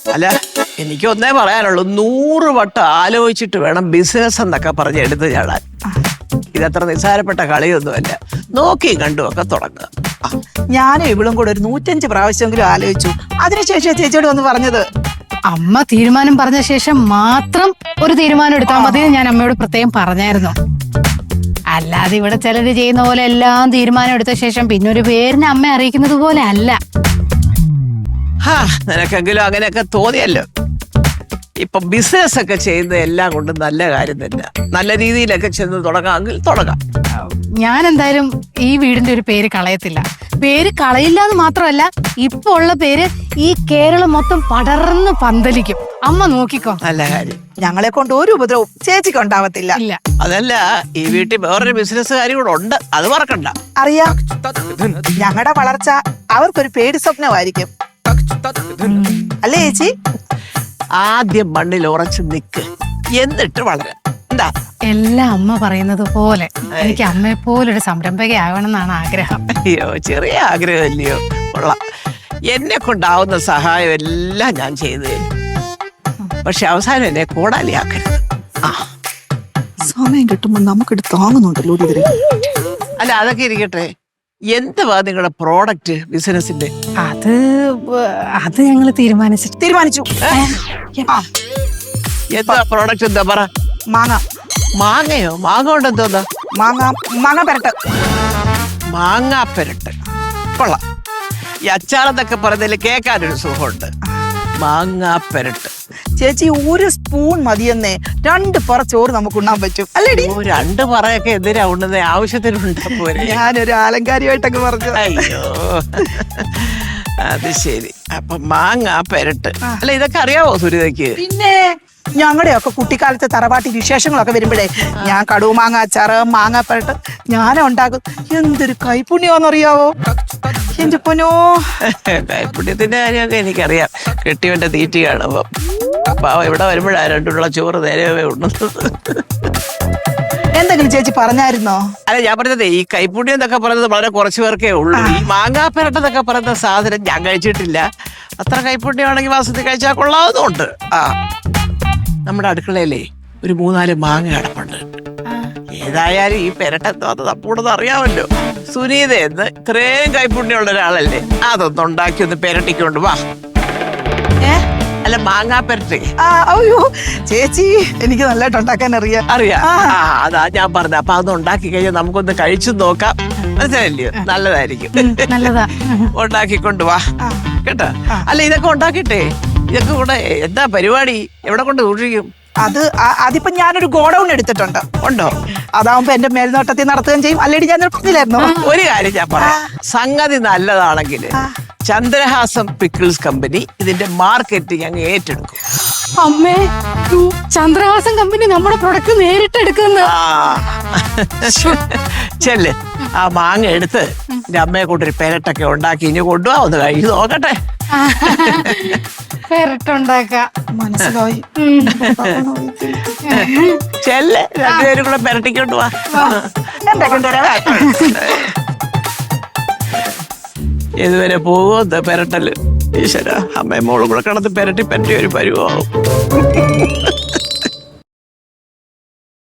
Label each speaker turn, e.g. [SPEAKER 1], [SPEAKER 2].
[SPEAKER 1] അല്ല എനിക്ക് ഒന്നേ പറയാനുള്ളൂ, 100 വട്ടം ആലോചിച്ചിട്ട് വേണം ബിസിനസ് എന്നൊക്കെ പറഞ്ഞ് എടുത്ത് ചാടാൻ. ഇതത്ര നിസ്സാരപ്പെട്ട കളിയൊന്നുമല്ല. നോക്കി കണ്ടുമൊക്കെ തുടങ്ങുക.
[SPEAKER 2] ഞാനും ഇവളും കൂടെ ഒരു 105 പ്രാവശ്യമെങ്കിലും ആലോചിച്ചു. അതിനുശേഷം ചേച്ചിയോട് വന്ന് പറഞ്ഞത്.
[SPEAKER 3] അമ്മ തീരുമാനം പറഞ്ഞ ശേഷം മാത്രം ഒരു തീരുമാനം എടുത്താൽ മതി. ഞാൻ അമ്മയോട് പ്രത്യേകം പറഞ്ഞായിരുന്നു. അല്ലാതെ ഇവിടെ ചിലര് ചെയ്യുന്ന പോലെ എല്ലാം തീരുമാനം എടുത്ത ശേഷം പിന്നെ ഒരു പേരിനെ അമ്മ അറിയിക്കുന്നത് പോലെ അല്ല.
[SPEAKER 1] നിനക്കെങ്കിലും അങ്ങനെയൊക്കെ തോന്നിയല്ലോ. ഇപ്പൊ ബിസിനസ് ഒക്കെ ചെയ്യുന്നത് എല്ലാം കൊണ്ടും നല്ല കാര്യം തന്നെ. നല്ല രീതിയിലൊക്കെ ചെന്ന് തുടങ്ങാമെങ്കിൽ തുടങ്ങാം.
[SPEAKER 3] ഞാൻ എന്തായാലും ഈ വീടിന്റെ ഒരു പേര് കളയത്തില്ല. പേര് കളയില്ല എന്ന് മാത്രമല്ല, ഇപ്പൊ ഉള്ള പേര് ഈ കേരളം മൊത്തം പടർന്ന് പന്തലിക്കും. അമ്മ നോക്കിക്കോ.
[SPEAKER 1] നല്ല കാര്യം.
[SPEAKER 2] ഞങ്ങളെ കൊണ്ട് ഒരു ഉപദ്രവവും ചേച്ചിക്ക് ഉണ്ടാവത്തില്ല.
[SPEAKER 3] ഇല്ല,
[SPEAKER 1] അതല്ല, ഈ വീട്ടിൽ വേറൊരു ബിസിനസ്സുകാരി കൂടെ ഉണ്ട്, അത് മറക്കണ്ട.
[SPEAKER 2] അറിയാം. ഞങ്ങളുടെ വളർച്ച അവർക്കൊരു പേടി സ്വപ്നമായിരിക്കും, അല്ലേ ചേച്ചി?
[SPEAKER 1] ആദ്യം മണ്ണിൽ ഉറച്ചു നിക്ക്, എന്നിട്ട് വളരാം. എന്താ?
[SPEAKER 3] എല്ലാം അമ്മ പറയുന്നത് പോലെ എനിക്ക് അമ്മയെ പോലൊരു സംരംഭകയാവണം എന്നാണ് ആഗ്രഹം.
[SPEAKER 1] അയ്യോ, ചെറിയ ആഗ്രഹമല്ലയോ? കൊള്ളാം. എന്നെ കൊണ്ടാവുന്ന സഹായം എല്ലാം ഞാൻ ചെയ്തു തരും. പക്ഷെ അവസാനം എന്നെ കോടാലിയാക്കരുത്.
[SPEAKER 2] സമയം കിട്ടുമ്പോ നമുക്കിട്ട് താങ്ങുന്നുണ്ടല്ലോ.
[SPEAKER 1] അല്ല, അതൊക്കെ ഇരിക്കട്ടെ. എന്തുവാ നിങ്ങളുടെ പ്രോഡക്റ്റ് ബിസിനസിന്റെ?
[SPEAKER 3] അത് ഞങ്ങൾ തീരുമാനിച്ചു.
[SPEAKER 1] എന്താ പ്രോഡക്റ്റ്? എന്താ പറ.
[SPEAKER 2] മാങ്ങ.
[SPEAKER 1] മാങ്ങയോ? മാങ്ങ കൊണ്ട് എന്തോന്നാ?
[SPEAKER 2] മാങ്ങ പെരട്ട്.
[SPEAKER 1] മാങ്ങാ പെരട്ട് കൊള്ളാം. ഈ അച്ചാറെന്നൊക്കെ പറഞ്ഞതിൽ കേൾക്കാനൊരു സുഖമുണ്ട്. മാങ്ങാ പെരട്ട്.
[SPEAKER 2] ചേച്ചി, 1 സ്പൂൺ മതിയെന്നേ 2 പറ ചോറ് നമുക്ക് ഉണ്ണാൻ പറ്റും, അല്ലേടി?
[SPEAKER 1] 2 പറയൊക്കെ എന്തിനാ ഉണ്ണുന്നത്? ആവശ്യത്തിനുണ്ടാ പോരെ.
[SPEAKER 2] ഞാനൊരു ആലങ്കാരികമായിട്ടൊക്കെ പറഞ്ഞു.
[SPEAKER 1] അയ്യോ, അത് ശരി. അപ്പൊ മാങ്ങാ പെരട്ട്. അല്ല, ഇതൊക്കെ അറിയാവോ സുരിതയ്ക്ക്?
[SPEAKER 2] പിന്നെ ഞങ്ങളുടെയൊക്കെ കുട്ടിക്കാലത്തെ തറവാട്ടി വിശേഷങ്ങളൊക്കെ വരുമ്പോഴേ ഞാൻ കടുവ മാങ്ങ അച്ചാറ്, മാങ്ങ പെരട്ട് ഞാനും ഉണ്ടാക്കും. എന്തൊരു കൈപുണ്യോന്നറിയാവോ എന്റെ പൊന്നോ.
[SPEAKER 1] കൈപുണ്യത്തിന്റെ കാര്യമൊക്കെ എനിക്കറിയാം. കെട്ടിയവന്റെ തീറ്റി കാണുമ്പോ പാവം ഇവിടെ വരുമ്പോഴാ 2 ചോറ് നേരവേ ഉണ്ണുന്നത്.
[SPEAKER 2] എന്തെങ്കിലും ചേച്ചി പറഞ്ഞായിരുന്നോ?
[SPEAKER 1] അല്ല, ഞാൻ പറഞ്ഞത് ഈ കൈപ്പുണ്യം എന്നൊക്കെ പറയുന്നത് വളരെ കുറച്ചു പേർക്കേ ഉള്ളൂ. ഈ മാങ്ങാപ്പെരട്ടെന്നൊക്കെ പറയുന്ന സാധനം ഞാൻ കഴിച്ചിട്ടില്ല. അത്ര കൈപ്പുണ്യമാണെങ്കിൽ മാസത്തിൽ കഴിച്ചാൽ കൊള്ളാവുന്നുണ്ട്. നമ്മുടെ അടുക്കളയിലേ ഒരു 3-4 മാങ്ങ കിടപ്പുണ്ട്. ഏതായാലും ഈ പെരട്ടെന്തോ അത് തപ്പൂടെന്ന് അറിയാമല്ലോ. സുനീത എന്ന് ഇത്രയും കൈപ്പുണ്യമുള്ള ഒരാളല്ലേ, അതൊന്നും ഉണ്ടാക്കി ഒന്ന് പെരട്ടിക്കൊണ്ട് വാ. അല്ല, മാങ്ങാ പെരട്ടി.
[SPEAKER 2] അയ്യോ ചേച്ചി, എനിക്ക് നല്ലതായിട്ട് ഉണ്ടാക്കാൻ അറിയാം.
[SPEAKER 1] അതാ ഞാൻ പറഞ്ഞ. അപ്പൊ അതൊന്ന് ഉണ്ടാക്കി കഴിഞ്ഞാൽ നമുക്കൊന്ന് കഴിച്ചു നോക്കാം. മനസ്സിലായില്ലയോ? നല്ലതായിരിക്കും.
[SPEAKER 3] നല്ലതാ.
[SPEAKER 1] ഉണ്ടാക്കിക്കൊണ്ട് വാ കേട്ടോ. അല്ല, ഇതൊക്കെ ഉണ്ടാക്കിട്ടെ ഇതൊക്കെ കൂടെ എന്താ പരിപാടി? എവിടെ കൊണ്ട് സൂക്ഷിക്കും?
[SPEAKER 2] അതിപ്പോ ഞാനൊരു ഗോഡൌൺ എടുത്തിട്ടുണ്ട്.
[SPEAKER 1] ഉണ്ടോ?
[SPEAKER 2] അതാവുമ്പോ എന്റെ മേൽനോട്ടത്തിൽ നടത്തുകയും ചെയ്യും. അല്ലേടി, ഞാൻ പറഞ്ഞില്ലായിരുന്നോ?
[SPEAKER 1] ഒരു കാര്യം ഞാൻ പറയാം. സംഗതി നല്ലതാണെങ്കിൽ ചന്ദ്രഹാസം പിക്കിൾസ് കമ്പനി ഇതിന്റെ മാർക്കറ്റിംഗ് അങ്ങ് ഏറ്റെടുക്കും.
[SPEAKER 3] അമ്മേ, ചന്ദ്രഹാസം കമ്പനി നമ്മുടെ പ്രൊഡക്റ്റ് നേരിട്ട് എടുക്കുന്ന.
[SPEAKER 1] ചെല്ല്, ആ മാങ്ങ എടുത്ത് എന്റെ അമ്മയെ കൊണ്ടൊരു പെരട്ടൊക്കെ ഉണ്ടാക്കി ഇനി കൊണ്ടുപോവാ, ഒന്ന് കഴിച്ചു നോക്കട്ടെ.
[SPEAKER 3] പെരട്ടുണ്ടാക്കാം.
[SPEAKER 2] മനസ്സിലായി.
[SPEAKER 1] ചെല്ല്, 2 പേരും കൂടെ പെരട്ടിക്കൊണ്ട് പോവാ. ഇതുവരെ പോകുമോ പെരട്ടല്? ഈശ്വര, അമ്മയും മോളും കൂടെ കിടന്ന് പെരട്ടി ഒരു പരുവാവും.